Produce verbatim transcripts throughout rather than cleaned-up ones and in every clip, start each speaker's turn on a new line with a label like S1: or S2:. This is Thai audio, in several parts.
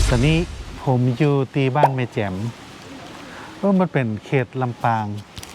S1: ตอนนี้ผมอยู่ตีบ้านแม่แจ่มเพราะมันเป็นเขตลำปาง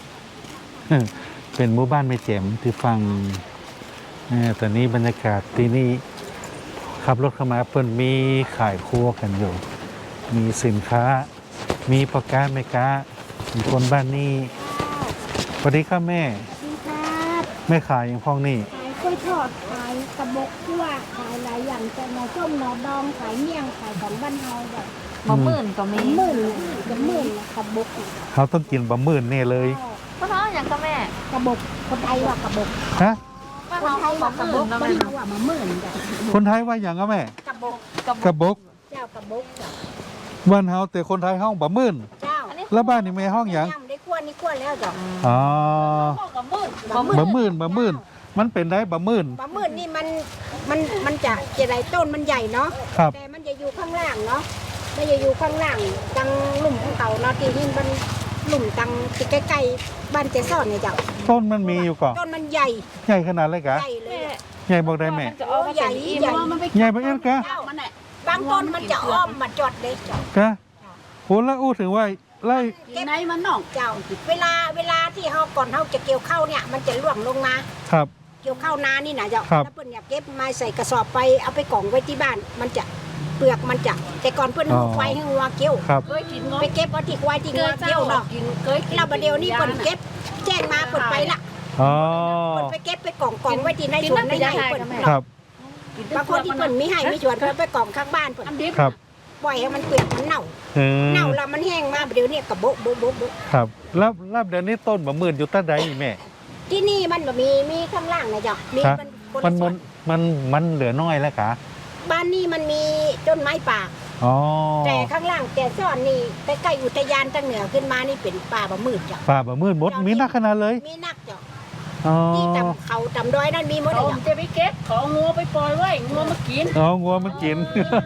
S1: เป็นหมู่บ้านแม่แจ่มที่ฟังตอนนี้บรรยากาศที่นี่ขับรถเข้ามาเพิ่นมีขายครัวกันอยู่มีสินค้ามีปากกาแม่กามีคนบ้านนี้สวัสดีครับแม่
S2: สวัสดีครับ
S1: แม่ขายอย่างพ้องนี่
S2: ขายกล้วยทอดขายกระบอกคั่วขายหลายอย่างจะหน่อส้มหน่อดองขายเมี่ยงขายของบ้านเฮาแบบ
S3: บะหมื่นก็มี
S2: หมื่นกระหมื่นกระบอก
S1: เขาต้องกินบะหมื่นแน่เลย
S3: ก็ท้ออย่างก็แม่
S2: กระบอกคนไทยว่ากระบอก
S1: ฮะ
S3: ว่า
S2: คน
S3: เขา
S2: ไทย
S3: บะ
S2: ว่า
S3: ห
S2: กระ
S3: มื่
S2: บ
S3: น
S2: อก
S3: ก็
S2: คน
S3: แม่
S2: เฮาว่ามาหมื่นจ้ะ
S1: คนไทยว่าอย่างก็แม่
S2: กระบอก
S1: กระบก
S2: เจ้ากระบอกจ้ะ
S1: บ้านเฮาแต่คนไทยห้องบะหมื่น
S2: เจ้า
S1: แล้วบ้านนี่แม่ห้องอย่าง
S2: ย่ำได้คั่วนี่คั่วแล้วจ้ะ
S1: อ๋อ
S3: บะหมื่น
S1: บะหมื่นบะหมื่นมันเป็นได้บะหมื่น
S2: บะหมื่นนี่มันมันมันจะเจไรต้นมันใหญ่เนาะ
S1: ครับ
S2: แต่มันจะอยู่ข้างล่างเนาะมันจะอยู่ข้างล่างตังหลุมของเขาเนาะที่นี่มันหลุมตังที่ใกล้ๆบ้านเจซ่อนเนี่ยจ้ะ
S1: ต้นมันมีอยู่ก่อน
S2: ต้นมันใหญ่
S1: ใหญ่ขนาดเลยกะ
S2: ใหญ่เลยอะ
S1: ใหญ่บอกได้แม่
S3: จะเอามาใหญ่ใหญ่มันไป
S1: ใหญ่บอกเอ็นกะ
S2: บางต้นมันจะอ้อมมาจอดเล็กจ้ะ
S1: กะโหแล้วอู้ถึงว่าไล่
S2: เก็บในมันน่องเจ้า เวลาเวลาที่เขาก่อนเขาจะเกี่ยวข้าวเนี่ยมันจะล่วงลงมา
S1: ครับ
S2: เกี่ยวข้าวนานี่นะเจ้า
S1: ครับ
S2: แล้วเพิ่นอยากเก็บมาใส่กระสอบไปเอาไปกล่องไว้ที่บ้าน มันจะเปลือกมันจะแต่ก่อนเพิ่นเอาไว้ให้งัวเกี่ยว
S1: ครับ
S3: เคยกินง
S2: ไปเก็บเอาที่ไว้ที่งัวเกี่ยวเนาะ
S3: กินเคยกิน
S2: เราบัดเดียวนี้เพิ่นเก็บแจ้งมาเพิ่นไปละ
S1: อ๋อ
S2: เพิ่นไปเก็บไปกล่องกล่องไว้ที่ในสวนในไร่เพิ่น
S1: ครับ
S2: บางคนที่เพิ่นมีให้มีสวนเพิ่นไปกล่องข้างบ้านเพิ่น
S1: ครับ
S2: ปล่อยให้มันเปียกมันเน่า
S1: เออ
S2: เน่าแล้วมันแห้งมาเดี๋ยวนี้กระโบะโบะโบะโบะ
S1: ครับแล้วแล้วเดี๋ยวนี้ต้นบะหมื่นอยู่ตั้งใดนี่แม่
S2: ที่นี่มันบ่มีมีข้างล่างนะจ๊ะมี
S1: ครับ
S2: มันคน
S1: มั
S2: ละ
S1: น
S2: ส่
S1: มั
S2: วน น
S1: มันมันเหลือน้อยแล้วกะ
S2: บ้านนี้มันมีต้นไม้ป่า
S1: อ๋อ
S2: แต่ข้างล่างแต่ซ่อนนี่ใกล้ๆอุทยานทางเหนือขึ้นมานี่เป็นป่าบ่มืดจ้ะ
S1: ป่าบะหมื่นหมดมีนักขนาดเลย
S2: มีนักจ้ะ
S1: อ๋อ
S2: ที่ตำเขาตำดอยนั่นมีหมดเลย
S3: ผม
S2: จ้ะ
S3: จะไปเก็บของงัวไปปล่อยไว้งัวมากิน
S1: อ๋องัวมันกิน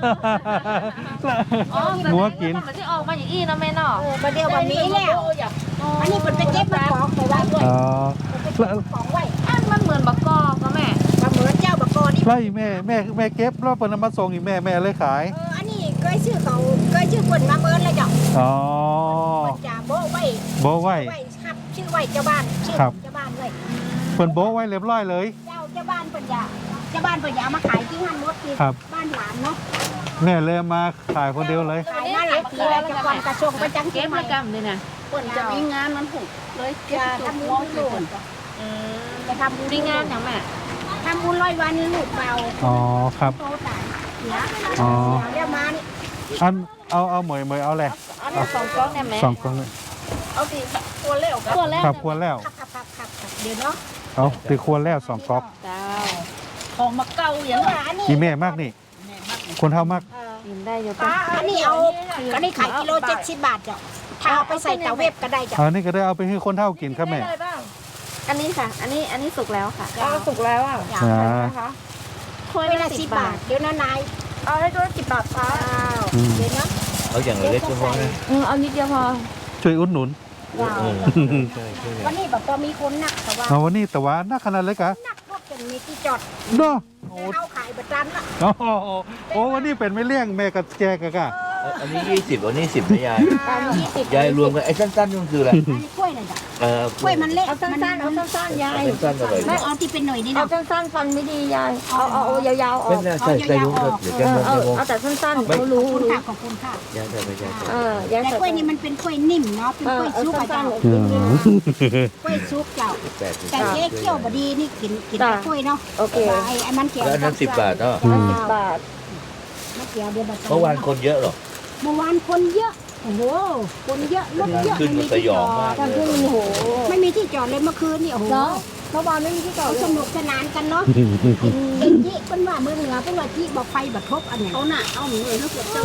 S3: อ๋อ
S1: งัวกิน
S3: มันจะออกมาอย่างอี้นะแม่เนาะ
S2: เออประเดี๋ยวบ่มีแล้วอันนี้เพิ่นไปเก็บมากองไปไว้ด้วย
S1: อ๋อ
S2: เพิ่นไปเก็บกองไว้
S3: อันมันเหมือนบะกอก็แม่
S2: บ่เหมือนเจ้าบ่กอนี่
S1: ไล่แม่แม่แม่เก็บแล้วเปิดนำมาส่งอีกแม่แม่เลยขาย
S2: เอออันนี้เคยชื่อเขาเคยชื่อเพิ่นมาเมินแล้วจ้ะ
S1: อ๋อ
S2: เพิ่นจะโบะไว้
S1: โบะไว้
S2: ไว้ครับชื่อไว้เจ้าบ้านชื่อ
S1: ครับ
S2: เจ้าบ้านเลย
S1: เปิดโบะไว้เรียบร้อยเลย
S2: เจ้าเจ้าบ้านเพิ่นจะเจ้าบ้านเพิ่นจะเอามาขายที่ห้างรถที่
S1: ครับ
S2: บ้านหลานเนาะ
S1: แม่เลยมาขายคนเดียวเลย
S2: ขายมาหลายปีแล้วจะก่อนกระทรวงประจัง
S3: เก็บ
S2: ใหม่
S3: ระกำเลยนะ
S2: เพิ่น
S3: จะ
S2: จะ
S3: มี
S2: มี
S3: งานมันผูกเลยเก็บ
S2: จะ
S3: ตัว
S2: ทำบุ
S3: มอง
S2: ญ
S3: ดู
S2: ลูก
S3: อืม
S2: จะทำบุญ
S3: มีงานอย่างแม่
S2: ทำบุญร้อยวันลูกเบา
S1: อ๋อครับ
S2: โตตายเสีย
S1: อ๋อ
S2: เดี๋ยวมานี่
S1: อันเอาเอาเหมยเหมยเอาเลย
S3: อันนี้สองกล้องเนี่ยแม่
S1: สองกล่องเลย
S3: เอาสิตัวเร็วกันตัวแรก
S1: ครับควรแล้ว
S2: ครับครับครับครับครับเดี๋ยวเนาะ
S1: เอาตีควรแล้วสองก๊อก
S3: เจ้าของมาเก่าอย่าง
S2: เอออันนี้
S1: อีแม่มากนี่ คนเท่ามาก
S2: เออ
S3: กินได้อยู่
S2: ป้าอันนี้เอาอันนี้ขายกิโลเจ็ดสิบบาทจ้ะถ้าเอาไปใส่เตาเวฟก็ได้จ้ะ
S1: อันนี้ก็ได้เอาไปให้คนเท่ากินครับแม่
S3: อันนี้ค่ะ อันนี้อันนี้สุกแล้วค่ะอ๋อสุกแล้วอ่ะ
S2: จ้ะ
S1: อ่า
S3: นะคะถ้วย
S2: เว
S3: ละ
S2: ลา
S3: สิ
S2: สิ
S3: บ
S2: บบา
S3: บา
S2: ท
S3: ท
S2: เดี๋ยวนะนาย
S3: เอาให้ตัวละสิบบาทค่ะ
S2: อ้าว
S1: อืม
S2: เดี๋ยวนะ
S4: เอาอย่างเล็กก็พอนะ
S3: อืมเอานิดเดียวพอ
S1: ช่วยอุดหนุน
S2: ว้าว
S4: เออใช่ใช่
S2: วันนี้แบบพอมีคนนักแต่ว่า
S1: เอาวันนี้แต่ว่านักขนาดเลยกะ
S2: นักรถจนมีที่จอด
S1: เนาะ
S2: แต่เอาขายประจันละ
S1: โอ้โหโอ้วันนี้เป็นไม่เลี้ยงแม่กับแกกะกะ
S4: อันนี้ยี่สิบอันนี้สิบนะยาย
S2: ตามยี่สิบ
S4: ยายรวมกันไอ้สั้นๆมันคืออะไร
S2: อันนี้กล้วยน่ะจ้ะ
S4: เออก
S2: ล้วยมันเละ
S3: เอาสั้นๆเอาสั้นๆยาย
S4: สั้นๆอร่อย
S2: ไม่เอาที่เป็นหน่วยนี่
S3: เอา
S2: เนาะ
S3: สั้นๆฟันไม่ดียายเอาเอาเอายาวๆออ
S4: ไม่
S3: ก
S4: น่าใส่ใส่ลุงครับเดี๋ยวแก
S3: เอ
S4: ม
S3: อ
S4: อง
S3: เอา
S4: แกมอง
S3: เอาแต่สั้นๆ
S4: ไม่
S3: เขา
S2: ข
S3: รู้
S2: อบคุณ
S3: รู้
S2: ค่ะขอบคุณค่ะ
S4: ยายใส่ไปยายใส่
S3: เออยาย
S2: แต่
S3: ใส่
S2: กล้วยนี่มันเป็นกล้วยนิ่มเนาะเป็น
S3: เอก
S2: ล้
S3: อ
S2: วย
S3: เอา
S2: ซุปอะ
S3: สั้
S2: เจ้าน
S3: ๆ
S1: อืม
S2: กล้วยซุปเจ้า
S4: แปดสิบ
S2: แต่เจ๊เคี่ยวบดีนี่กินกิน
S3: จ้ะ
S2: แต่กล้วยเนาะ
S3: โอเค
S2: แต่ว่าไอ้ไอ้มันเกี่ยว
S4: แล้วอันนั้นสิบบาทเนาะ
S1: อืม
S3: สิบบาท
S2: ไม่เกี่ยวเดียวบาท
S4: เมื่อวานคนเยอะหรอ
S2: เมื่อวานคนเยอะโอ้โหคนเยอะรถเยอะ
S4: ขึ้น
S2: ไม่
S4: มา
S2: มี
S4: ส
S2: ที่
S4: ย
S2: จ
S4: อ
S2: อง
S4: มาก
S2: ด
S3: ขึ้นโอ้โห
S2: ไม่มีที่จอดเลยเมื่อคืนนี่โอ้โห
S3: เนาะเมื่อวานไม่มีที่จอด
S2: เขา
S3: เลย
S2: สนุกสนานกันเนาะเอ็นจิเป็นว่าเมืองเหนือเป็นว่าที่บอกไฟบัดทบอันไหนเขาน่ะเอาหนูเลยลูกเจ้า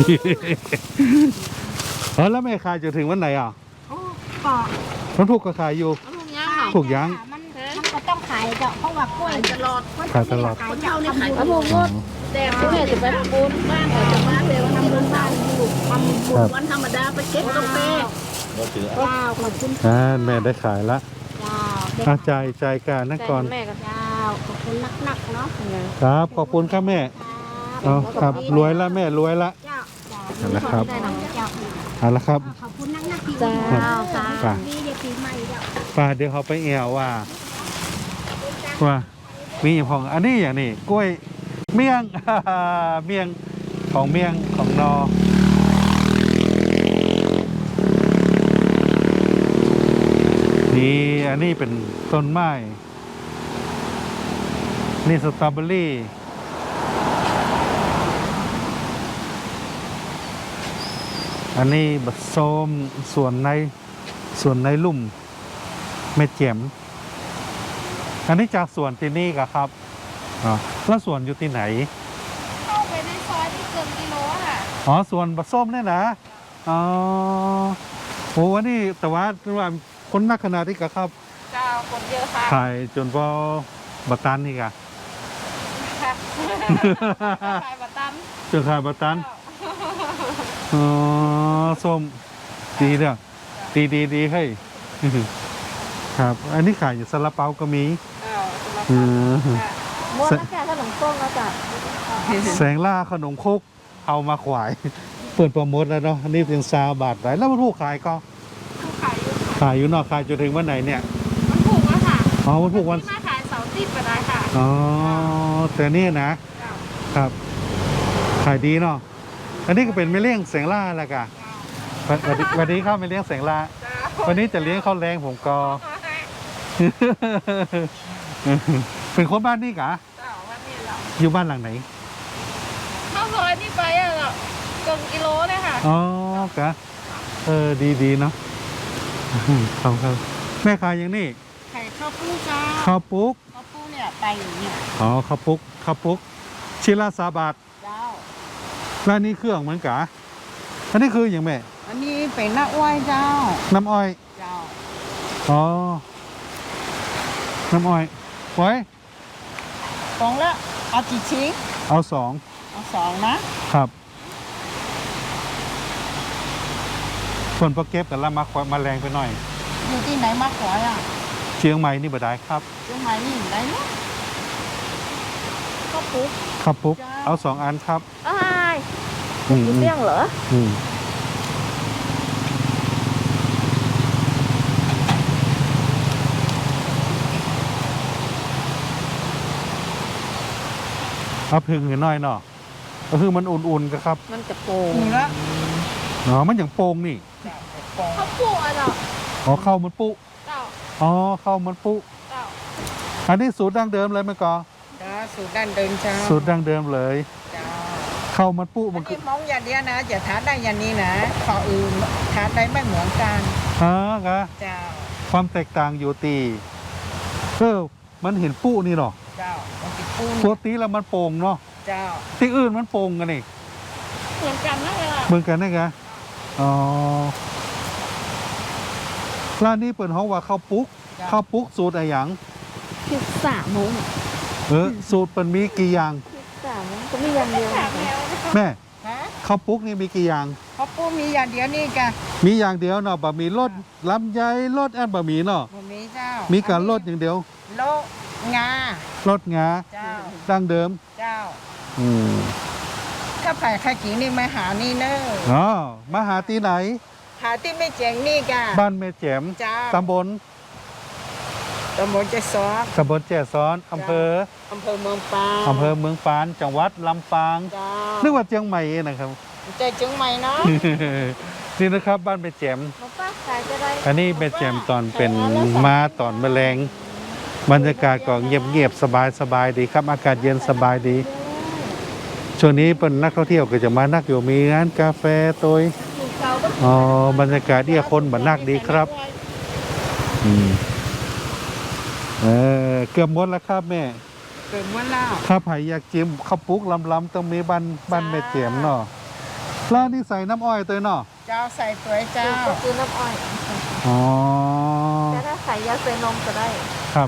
S1: เออแล้วแม่ขายจะถึงวันไหนอ่ะ
S2: โอ้ก็
S1: มันถูกก็ขายอยู่
S3: เอาลูกย่างเหรอ
S1: ถูกยัง
S2: มันมันก็ต้องขายเจ้าเพราะว่ากล้วย
S3: ตลอด
S1: ขายตลอด
S2: ขายเจ้าเนี่ยขาย
S3: แล้วผมก็แต่ผมเนี่ยจะไปปูนบ้านจะมาเร็วทำบุญบ้านอยู่ทำบุญวันธรรมดาไปเก็บกาแฟ
S4: เราถือ
S2: เจ้าขอบคุณ
S1: อ่าแม่ได้ขายละ
S2: เจ้าเด็ก
S1: อาจ่ายจ่ายการนั่นก่อน
S3: แม่กัน
S2: เจ้าขอบคุณนักๆเนาะ
S1: ครับขอบคุณครับแม่
S2: ครับ
S1: เอาครับรวยละแม่รวยละ
S2: เจ้าเจ้า
S1: นั่นแหละครับ
S2: ได้หนังเจ้า
S1: เอาละครับ
S2: ขอบคุณนักนักที่
S3: เจ้า
S2: ค่ะ
S1: ป่ะ
S2: นี่เดี๋ยวปีใหม่เจ้า
S1: ป่าเดี๋ยวเขาไปแอวว่า ว่ามีอย่างของอันนี้อย่างนี้กล้วยเมี่ยง เมี่ยงของเมี่ยงของนอนี่อันนี้เป็นต้นไม้นี่สตรอเบอรี่อันนี้บัดส้มส่วนในส่วนในลุ่มเม็ดแจ่มอันนี้จากสวนที่นี่กะครับอ๋อแล้วสวนอยู่ที่ไหน
S3: เข้าไปในซอยที่เกินกิโลค่ะ
S1: อ๋อสวนบัดส้มเนี่ยนะอ๋อโหวันนี้แต่ว่าว่าคนนักขนาดนี้กะครับ
S3: เจ้าคนเยอะค่ะ
S1: ขายจนพอบัตตันนี่กะ
S3: ค่ะขายบัตตัน
S1: จนขายบัตตันอ๋อส้มดีเด้อดีดีดีให้ย ครับ อันนี้ขายอยู่ซาลาเปาก็มี
S3: เจ้าสำหรับ
S1: เออ
S3: มดแล้วแกขนมต้มแล้วจ้ะ
S1: แสงล่าขนมครกเอามาขวาย เปิดโปรโมทแล้วเนาะอันนี่เพียงซาบาทไหนแล้วมันถูกขายก็
S3: ขายอยู่
S1: ขายอยู่เนอกขายจนถึงวันไหนเนี่ย
S3: มันถูกแล้วค่ะ
S1: อ๋อวันถูกวัน
S3: ที่มาขายเสาร์อาทิตย์ก็ได้ค่ะ
S1: อ๋อแต่นี่นะ
S3: เจ้า
S1: ครับ ขายดีเนาะอันนี้ก็เป็นไม่เลี้ยงแสงล่าแหละกะวันวันนี้วันนี้เข้าไม่เลี้ยงแสงล่า
S3: เจ้า
S1: วันนี้จะเลี้ยงข้าวแรงผมก็ เป็นคนบ้านนี่กะ
S3: เจ้าวันนี้เรา
S1: อยู่บ้านหลังไหน
S3: เข้าซอยนี่ไปอ่ะเราเกินกิโลเลยค่ะ
S1: อ๋อกะเออดีดีเนาะ ขอบครับแม่ขายอย่างนี้
S3: ไข่ข้าวปูเจ้า
S1: ข้าวปุ๊ก
S3: ข้าวปูเนี่ยไปอย่างเนี่ย
S1: อ๋อข้าวปุ๊กข้าวปุ๊กชิ้นละสามบาท
S3: เจ้า
S1: แล้วนี่เครื่องเหมือนกะอันนี้คืออย่างแม่
S3: อันนี้เป็นน้าอ้อยเจ้า
S1: น้ำอ้อย
S3: เจ้า
S1: อ๋อ น้ำอ้อยไว้
S3: กล่องละเอากี่ชิ้น
S1: เอาสอง
S3: เอาสองนะครับ
S1: ส่วนโปรเก็บแต่ละมาควมาแรงไปหน่อย
S3: อยู่ที่ไหนมากกว่าอ่ะ
S1: เชียงใหม่นี่บ่ได้ครับ
S3: เชียงใหม่นี่อยู่ไหนเนาะข้าวปุ๊ก
S1: ข้าวปุ๊ก
S3: จ้า
S1: เอาสองอันครับ
S3: อ้าย
S1: อืม
S3: อยู่
S1: อืม
S3: เสี่ยงเหรอ
S1: อืมเอาพึ่งหน่อยเนาะก็คือมันอุ่นๆก็ครับ
S3: มันจะโป่ง
S2: นี่ละ
S1: อ๋อมันอย่างโป่งนี่
S3: ข้าวปุ๊กอ่ะเนาะ
S1: อ๋อข้าวมันปุ
S3: เจ้า
S1: อ๋อข้าวมันปุ
S3: เจ้า
S1: อันนี้สูตรดั้งเดิมเลยไหมกอ
S2: จ้าสูตรดั้งเดิมเจ้า
S1: สูตรดั้งเดิมเลย
S2: จ้า
S1: ข้าวมันปุ
S2: อั
S1: มัน นคื
S2: นี้
S1: อ
S2: มองอย่างเดียวนะจะทานได้อย่างนี้นะขออื่นทานได้ไม่เหมือนกัน
S1: ฮะกะ
S2: เจ้า
S1: ความแตกต่างอยู่ตีเออมันเห็นปุนี่เนาะ
S2: เจ้ามันติดปู
S1: ปกติแล้วมันโป่งเนาะ
S2: เจ้า
S1: ที่อื่นมันโป่งกันนี่
S3: เหมือนกันนะเวลา
S1: เหมือนกันนะกะอ๋อร้านนี้เปิดห้องว่าข้าวปุ๊กข้าวปุ๊กสูตรอะไรอย่าง
S3: พิซซ่าหมู
S1: เออสูตรเป็นมีกี่อย่าง
S3: พิซซ่าหมูก็มีอย่างเดียว
S1: แม่
S2: ฮะ
S1: ข้าวปุ๊กนี่มีกี่อย่าง
S2: ข้าวปูมีอย่างเดียวนี่กะ
S1: มีอย่างเดียวเนาะบะหมี่รสลำไยรสแอนบะหมี่เนาะ
S2: บะหมี่เจ้า
S1: มี
S2: มี
S1: การรสอย่างเดียว
S2: โลงาร
S1: สงา
S2: เจ้า
S1: ดั้งเดิม
S2: เจ้า
S1: อืม
S2: ถ้าผ่ายข้ากีนี่มาหานี่เนอะ
S1: อ๋อมาหาที่ไหน
S2: หาที่ไม่เจ๋งนี่กะ
S1: บ้านแม่แจ่ม
S2: เจ้า
S1: ตำบล
S2: ตำบลเจซอส
S1: ตำบลแจ่ซ้อนอำเภอ
S2: อำเภอเมืองปาง
S1: อำเภอเมืองปานจังหวัดลำปาง
S2: เจ้า
S1: นึกว่าเชียงใหม่นะครับ
S2: ใจเจียงใหม่เนาะ
S1: นี่นะครับบ้านแม่แจ่ม
S3: มาป้าขายจะได้
S1: อันนี้แม่แจ่มตอนเป็นมาตอนแมลงบรรยากาศก็เงียบๆสบายๆดีครับ อากาศเย็นสบายดี ช่วงนี้เป็นนักท่องเที่ยวก็จะมานักอยู่มีงานกาแฟตัว อ๋อบรรยากาศเดียคนบันนักดีครับอืมเออเกือบหมดแล้วครับแม่
S2: เกิดเมื่อแล้ว
S1: ถ้าไผ่อยากจิ้มข้าวปุ๊กลำๆต้องมีบ้านบ้านแม่เจียมเนาะแล้วนี่ใส่น้ำอ้อยตัวเนาะ
S2: เจ้าใส่เปลือยเจ้า
S3: ก็คือน้ำอ้อย
S1: อ๋อ
S3: แต่ถ้าใส่ยาใส่นมก็ได้
S1: ครับ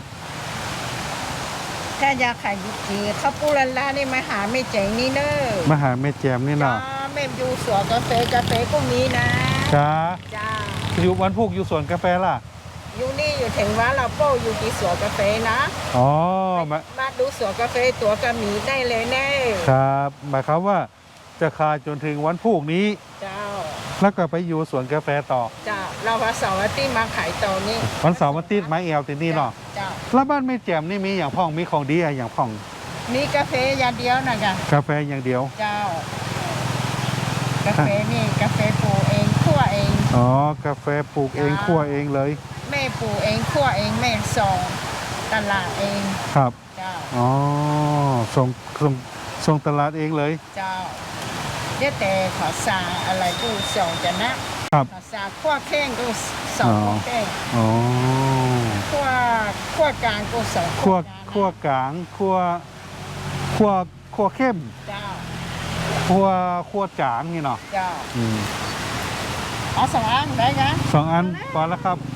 S2: ถ้ายาขายยุกีข้าวปูลันลานี่มาหาไม่เจ๋งนี่เนอะ
S1: มาหาแม่เจียมนี่
S2: จ้า
S1: เนาะ
S2: แม่อยู่สวนกาแฟกาแฟก็มีนะ
S1: จ้า
S2: จ้า
S1: อยู่วันพุกอยู่สวนกาแฟล่ะ
S2: อยู่นี่อยู่ถึงว่าเราโป้อยู่ที่สวนกาแฟนะ
S1: อ๋อมา
S2: มาดูสวนกาแฟตัวกระหมีได้เลยแน่
S1: ครับหมายความว่าจะขายจนถึงวันพรุ่งนี้
S3: เจ้า
S1: แล้วก็ไปอยู่สวนกาแฟต่อ
S3: เจ้าเราวันเสาร์อาทิตย์มาขายตอนนี้
S1: วันเสาร์วันอาทิตย์ไม้เอวที่นี่เนาะ
S3: เจ้า
S1: แล้วบ้านไม่แจ่มนี่มีอย่างพ่องมีของดีอะไรอย่างพ่อง
S3: มีกาแฟอย่างเดียวนะกะ
S1: กาแฟอย่างเดียว
S3: เจ้า กาแฟนี่กาแฟปลูกเองคั่วเอง
S1: อ๋อกาแฟปลูกเองคั่วเองเลย
S3: แม่ปลูกเองคั่วเองแม่ส่งตลาดเอง
S1: ครับ
S3: เจ้า
S1: อ๋อส่งส่งส่งตลาดเองเลย
S3: เจ้าเดี๋ยวแต่ขอสาอะไรกูส่งจะนะครับ ขอสาคั่วแข้งกูส่ง
S1: อ๋อ
S3: คั่วแข้ง
S1: อ๋อ
S3: คั่วคั่วกลางกูส่ง
S1: คั่ว
S3: กลางนะ
S1: คั่วกลางคั่วคั่วคั่วเข้ม
S3: เจ้า
S1: คั่วคั่วจางนี่เนาะ
S3: เจ้า
S1: อืม
S3: เอาสองอันได้ไง
S1: สองอันพอแล้วครับ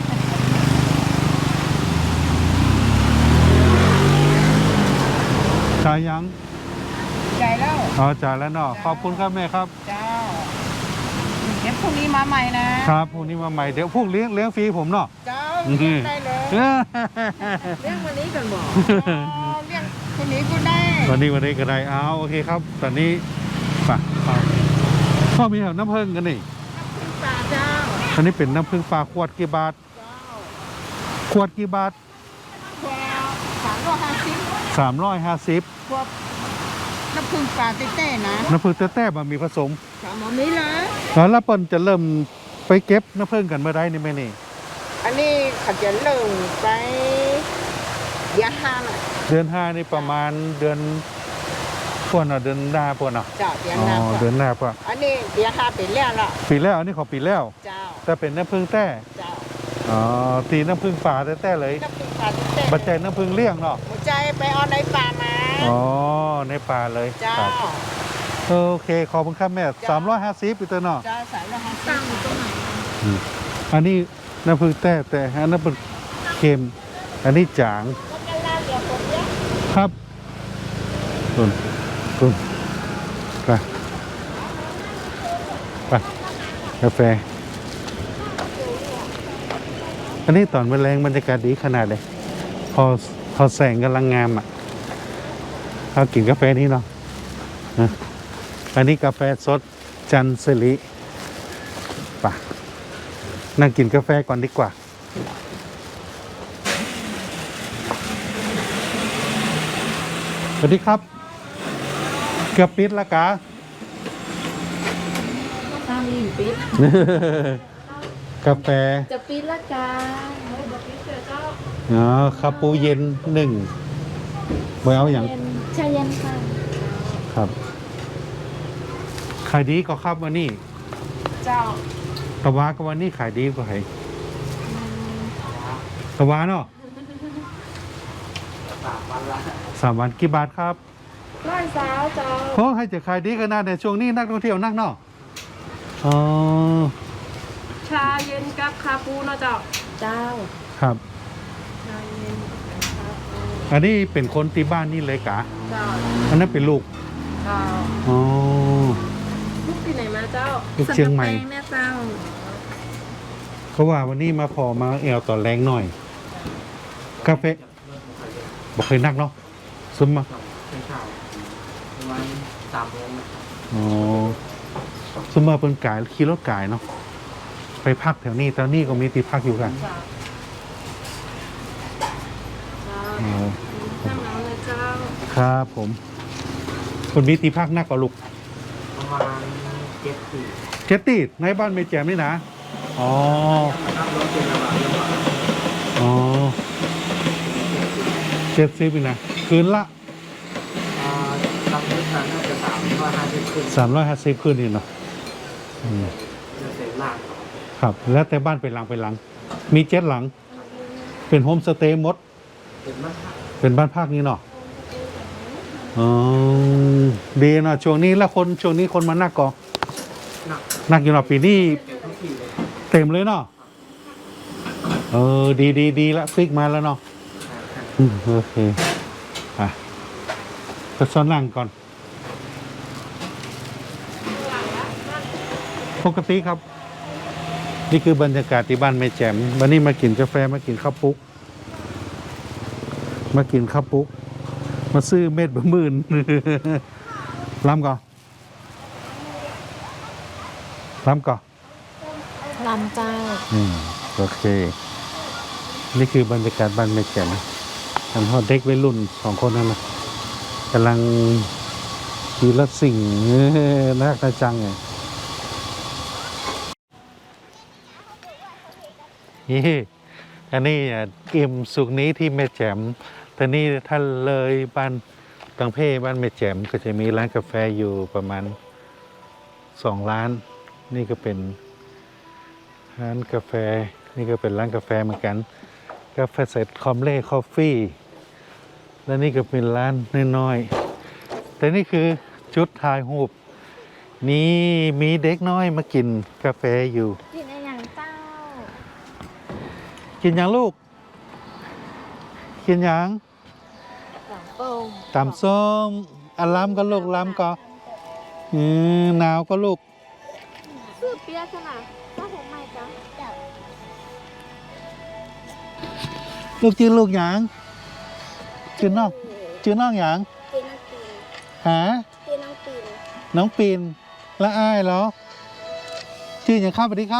S1: จ่ายยัง
S3: ใจแล้ว
S1: อ๋อจ่ายแล้วเนาะขอบคุณครับแม่ครับ
S3: เจ้าเดี๋ยวพรุ่งนี้มาใหม่นะครับ
S1: พรุ่งนี้มาใหม่เดี๋ยวพรุ่งเลี้ยงเลี้ยงฟรีผมเนาะ
S3: เจ้า
S1: อือฮึ
S3: เลี้ยงได้เลย
S1: เออ
S3: เลี้ยงวันนี้ก่อนบอกอ๋อเลี้ยงคนนี้ก็ได้
S1: วันนี้วันนี้ก็ได้เอาโอเคครับ ตอนนี้ไป่ะพ่อมีแถวน้ำผึ้งกันนี่
S3: คุณป่าเจ้า
S1: อันนี้เป็นน้ำผึ้งปลาขวดกี่บาท
S3: เจ้า
S1: ขวดกี่บาท
S3: ควาสามร้อยห้าสิบ
S1: สามร้อยห้าสิบ
S3: ควบน้ำผึ้งปลาเต้ๆนะ
S1: น้ำผึ้งแต้ๆมันมีผสม
S3: สามหมอนี้เลย
S1: แล้วแล้วเปิ้นจะเริ่มไปเก็บน้ำผึ้งกันเมื่อไรนี่แม่นี่
S3: อันนี้เขาจะเริ่มไปยาห้าน่ะ
S1: เดือนห้านี่ประมาณเดือนพวกเนาะเดือนหน้าพวกเนาะ
S3: เจ้าเดีย
S1: อ๋อ
S3: นา
S1: เดือนหน้าพวก
S3: อันนี้เดียห้าเป็นแล้วล่ะ
S1: ปีแล้วอันนี้ของปีแล้ว
S3: เจ้า
S1: แต่เป็นน้ำผึ้งแต้
S3: เจ้า
S1: อ๋อตีน้ำผึ้งป่าแต้ๆเลย
S3: น้ำผึ้งปลาเต้ๆ
S1: บัดใจน้ำผึ้งเลี้ยงเนาะ
S3: หัวใจไปเอาในป่ามา
S1: อ๋อในป่าเลย
S3: เจ้า
S1: ครับโอเคขอบคุณครับแม่สามร้อยห้าสิบปีเตอร์เนาะ
S3: เจ้าสายละห้าตั้งอยู่ตรงไหน
S1: อืมอันนี้น้ำผึ้งแต้แต่อันนั้นเป็นเค็มอันนี้จาง
S3: ก็จะเล่าเดี๋ยวผมเนี้ย
S1: ครับคุณคุณไปไปกาแฟ อันนี้ตอนแรงบรรยากาศดีขนาดเลยพอพอแสงกำลังงามอ่ะเรากินกาแฟนี้เนาะนะอันนี้กาแฟสดจันสิริไปนั่งกินกาแฟก่อนดีกว่า สวัสดีครับ เกือบปิดแล้วกะ
S5: ตามลิงปิด
S1: กาแฟ
S5: จะปิดละกันเฮ้ยบอกปิดเถอะเจ้า
S1: อ๋อคาปูเย็นหนึ่งไว้เอาอย่าง
S5: เย็นชาเย็นค่ะ
S1: ครับขายดีก็ครับวันนี้
S5: เจ้า
S1: ตะวาก็วันนี้ขายดีกว่าใครตะวาเนาะสามวันกี่บาทครับ
S5: ร้อยสาวเจ้า
S1: เพราะให้จะขายดีขนาดในช่วงนี้นักท่องเที่ยวนักเนาะอ๋อ
S5: ชาเย็นกับคาปูเนาะเจ้า เจ้า
S1: ครับ
S5: ชาเย็นกับคาปู
S1: อันนี้เป็นคนที่บ้านนี่เลยกะ
S5: เจ้า
S1: อันนั้นเป็นลูก
S5: เจ้า
S1: อ๋อ
S5: ลูกที่ไหนมาเจ้า
S1: ลูกเชียงใหม่
S5: สันกำแพเนี่ยเจ้า
S1: เขาว่าวันนี้มาพอมาแอลต่อแรงหน่อย กาแฟบอกเคยนักเนาะซึมมา
S6: เป็นข่าวประมาณสามโมงนะครับ
S1: อ๋อซึมมาเป็นกายขี่รถกายเนาะไปพักแถวนี้แถวนี้ก็มีที่พักอยู่กัน
S5: เจ้าเจ้า
S1: อ๋อ
S5: น้ำน้ำเลยเจ้า
S1: ครับผม คนมีที่พักนักกว่าลูก
S6: ประมาณเจ็ดสี่
S1: เจตตี้ในบ้านไม่แจมนี่นะอ๋อ
S6: นะครับรถเป็นระบาดระบาด
S1: อ๋อเจ็ดสิบนะคืนละ
S6: อ่าตามพื้นฐานน่าจะสามร้อยห้าสิบขึ้น
S1: สามร้อยห้าสิบคืนนี่เนาะอืม
S6: จะเต็มหลัก
S1: ครับ แล้วแต่บ้านเป็นหลังเป็นหลัง มีเจ็ดหลัง เป็นโฮมสเตย์หมด
S6: เป็นมาก
S1: เป็นบ้านพักนี้เนาะอ๋อดีเนาะช่วงนี้แล้วคนช่วงนี้คนมานักก่อ
S6: หนัก
S1: นักอยู่เนาะปีนี้
S6: เต็มทุกทีเลย
S1: เต็มเลยเนาะเออดีดีดีละฟิกมาแล้วเนาะอืมโอเคอ่ะไปซ้อนนั่งก่อน ปกติครับ นี่คือบรรยากาศที่บ้านแม่แจ่มวันนี้มากินกาแฟมากินข้าวปุ๊ก มากินข้าวปุ๊ก มาซื้อเม็ดบะหมื่น ล้ำก่อนล้ำก่อน
S3: ลำเจ้า
S1: อืมโอเค นี่คือบรรยากาศบ้านแม่แจ่มทำให้เด็กวัยรุ่นสองคนนั่นนะกำลังขี่รถสิ่งเออน่ารักจังไงนี่อันนี้อ่ะอิ่มสุกนี้ที่แม่แจ่มแต่นี่ถ้าเลยบ้านตังเพ่บ้านแม่แจ่มก็จะมีร้านกาแฟอยู่ประมาณสองร้าน นี่ก็เป็นร้านกาแฟนี่ก็เป็นร้านกาแฟเหมือนกันกาแฟเสร็จคอมเล่คอฟฟี่และนี่ก็เป็นร้านน้อยๆแต่นี่คือจุดถ่ายรูปนี่มีเด็กน้อยมากินกาแฟอยู่
S3: กินอะไรอย่างเจ้า
S1: กินยังลูก กินยัง
S3: หลังโป่ง
S1: ตำส้มอาล้ำก็ลูกล้ำก็อืมหนาวก็ลูก
S3: ซื้อเปียกขนาดถ้าผมไม่จ้ะ
S1: ลูกชื่อลูกหยังชื่อน้องชื่อน้องหยัง
S2: กินน้องปีน
S1: หา
S2: กินน้องปีน
S1: น้องปีนและอ้ายเหรอชื่ออย่างครับสวัสดีครับ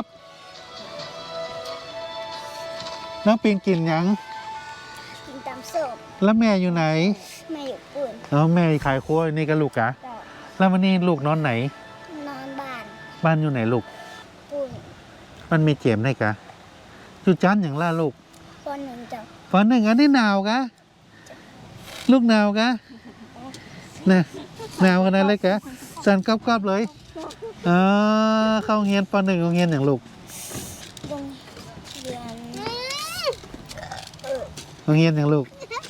S1: น้องปีนกินหยัง
S2: กินตำส้ม
S1: แล้วแม่อยู่ไหน
S2: แม่อยู่ปุ่น
S1: อ๋อแม่ขายครัวนี่ก็ลูกกะ
S2: ต่อ
S1: แล้ววันนี้ลูกนอนไหน
S2: นอนบ้าน
S1: บ้านอยู่ไหนลูก
S2: ปุ่น
S1: มันมีเจมได้กะอยู่จันอย่างล่าลูก
S2: ปหนึ่งจ้ะ
S1: ฝันหนึ่งอันนี้หนาวกะ ลูกหนาวกะนะหนาวขนาดเลยกะสั่นกรอบๆเลยอ๋อเข้าโรงเรียนปหนึ่งโรงเรียนอย่างลูก
S2: โรงเรียน
S1: โรงเรียนอย่างลูก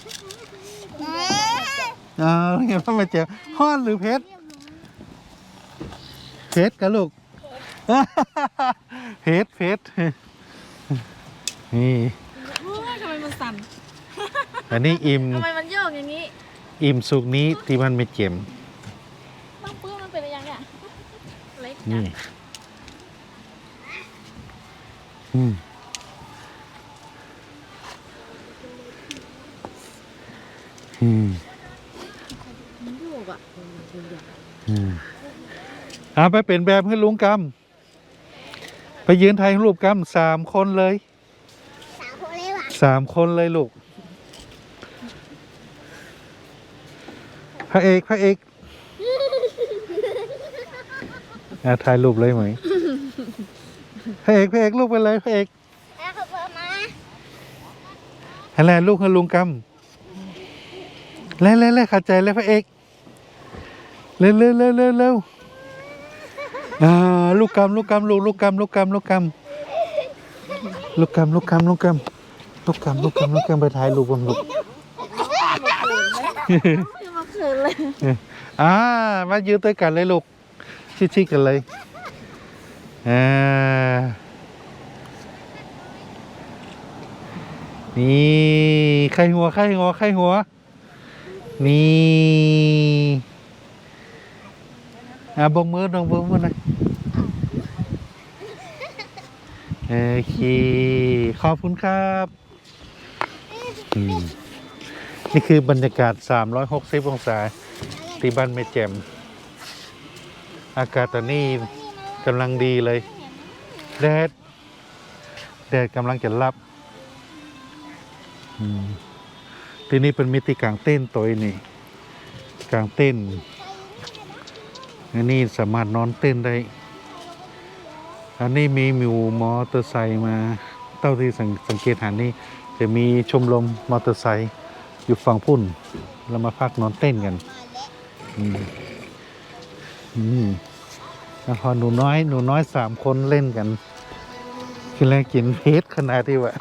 S1: อ๋อโรงเรียนพ่อมาเจอฮ้อนหรือเพชรเพชรกะลูก เพชรเพชรนี่
S3: ทำไมมันสั่น
S1: อันนี้อิ่ม
S3: ทำไมมันโยกอย่างนี้
S1: อิ่มสุกนี้ที่มันไม่เจ็ม
S3: บ้างปื้มมันเป็นอะไรอย่างเนี่ยเล็ก
S1: นี่อืมอืม
S3: มันโยกอ่ะ
S1: อืมเอาไปเป็นแบบให้ลุงกำไปยืนถ่ายรูปกำสามคนเลย
S2: สาวคนเลยว่ะ
S1: สามคนเลยลูก พระเอกพระเอกอ่ะถ่ายรูปเลยไหมพระเอกพระเอกลูกไปเลยพระเอก
S2: แล้วเขาบอกมา
S1: อะไรลูกให้ลุงกำเล่เล่เล่ขัดใจเลยพระเอกเร็วเร็วเร็วเร็วเร็วอ่าลูกกำลูกกำลูกลูกกำลูกกำลูกกำลูกกำลูกกำลูกกำลูกกำลูกกำลูกกำไปถ่ายรูปกันลูก
S3: มาเขินเลย
S1: อ่ามายืนด้วยกันเลยลูกชิดๆกันเลยอ่านี่ไข่หัวไข่หัวไข่หัวนี่อ่ะบงมือดงบงมือหน่อยโอเคขอบคุณครับอืมนี่คือบรรยากาศสามร้อยหกสิบองศาที่บ้านแม่แจ่มอากาศตอนนี้กำลังดีเลยแดดแดดกำลังจะรับอืมที่นี่เป็นมิติกลางเต้นตัวนี่กลางเต้นอันนี้สามารถนอนเต้นได้อันนี้มีมิวมอเตอร์ไซค์มาเต้าที่สังสังเกตหานี่จะมีชมรมมอเตอร์ไซค์อยู่ฝั่งพุ่นเรามาพักนอนเต้นกันอืมอืมแล้วพอหนูน้อยหนูน้อยสามคนเล่นกันกินแล้วกินเพชรขนาดที่ว่า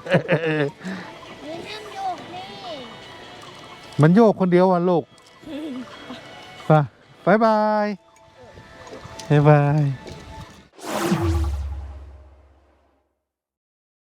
S1: มันโยกคนเดียวอ่ะลูก ไปบายบายบายบาย